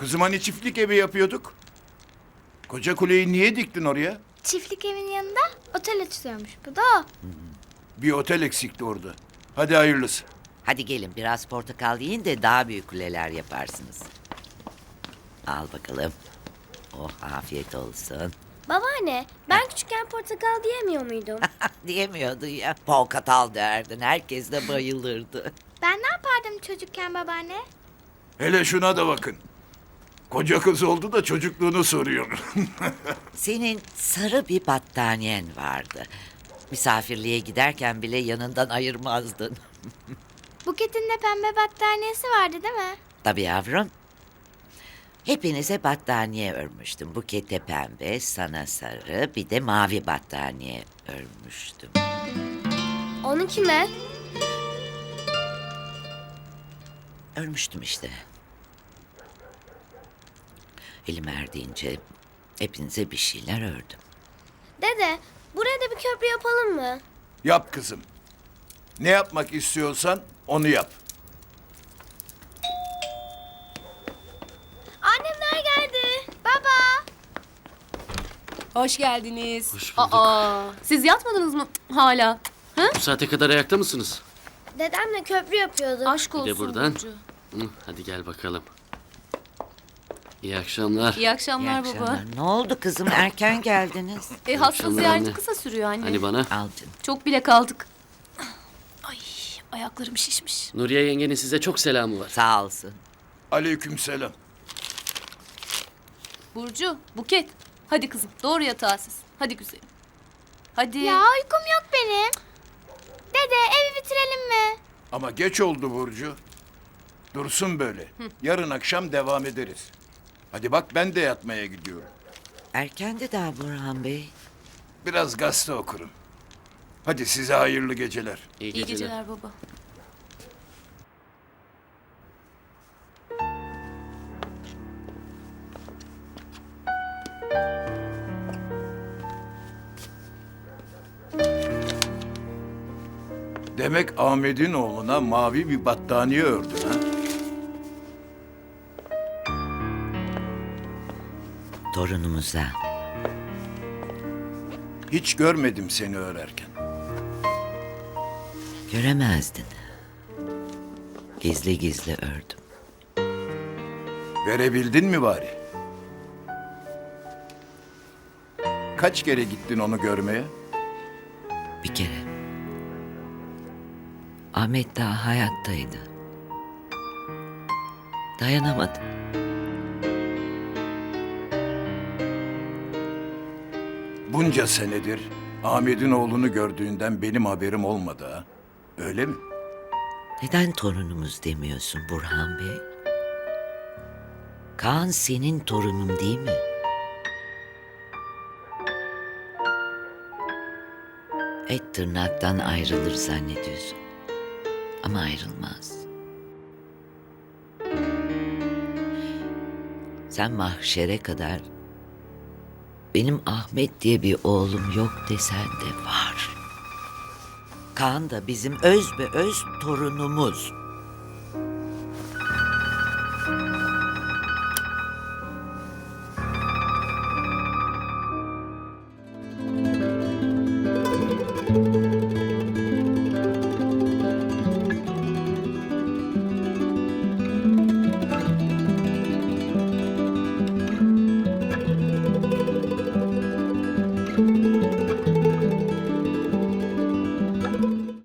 Kızım hani çiftlik evi yapıyorduk? Koca kuleyi niye diktin oraya? Çiftlik evin yanında otel açılıyormuş. Bu da o. Bir otel eksikti orada. Hadi hayırlısı. Hadi gelin biraz portakal yiyin de daha büyük kuleler yaparsınız. Al bakalım. Oh afiyet olsun. Babaanne, ben küçükken portakal diyemiyor muydum? Diyemiyordun ya. Portakal derdin. Herkes de bayılırdı. Ben ne yapardım çocukken babaanne? Hele şuna da bakın. Koca kız oldu da çocukluğunu soruyor. Senin sarı bir battaniyen vardı. Misafirliğe giderken bile yanından ayırmazdın. Buket'in de pembe battaniyesi vardı değil mi? Tabii yavrum. Hepinize battaniye örmüştüm. Bukete pembe, sana sarı, bir de mavi battaniye örmüştüm. Onu kime? Örmüştüm işte. Elim erdiğince hepinize bir şeyler ördüm. Dede, buraya da bir köprü yapalım mı? Yap kızım. Ne yapmak istiyorsan onu yap. Annemler geldi. Baba. Hoş geldiniz. Hoş bulduk. Siz yatmadınız mı hala? Bu saate kadar ayakta mısınız? Dedemle köprü yapıyordu. Aşk Bir olsun de buradan. Burcu. Hadi gel bakalım. İyi akşamlar. İyi akşamlar İyi baba. akşamlar. Ne oldu kızım? Erken geldiniz. Hasta akşamlar ziyareti anne. kısa sürüyor anne. Hani bana? Al canım. Çok bile kaldık. Ay ayaklarım şişmiş. Nuriye yengenin size çok selamı var. Sağ olsun. Aleykümselam. Burcu, Buket. Hadi kızım doğru yatağa siz. Hadi güzelim. Hadi. Ya uykum yok benim. Dede evi bitirelim mi? Ama geç oldu Burcu. Dursun böyle. Yarın akşam devam ederiz. Hadi bak ben de yatmaya gidiyorum. Erkendi daha Burhan Bey. Biraz gazete okurum. Hadi size hayırlı geceler. İyi İyi geceler. geceler baba. Demek Ahmet'in oğluna mavi bir battaniye ördün ha? Torunumuza. Hiç görmedim seni örerken. Göremezdin. Gizli gizli ördüm. Verebildin mi bari? Kaç kere gittin onu görmeye? Bir kere. Ahmet daha hayattaydı. Dayanamadım. Bunca senedir Ahmet'in oğlunu gördüğünden benim haberim olmadı ha. Öyle mi? Neden torunumuz demiyorsun Burhan Bey? Kaan senin torunun değil mi? Et tırnaktan ayrılır zannediyorsun. Ama ayrılmaz. Sen mahşere kadar benim Ahmet diye bir oğlum yok desen de var. Kaan da bizim öz be öz torunumuz.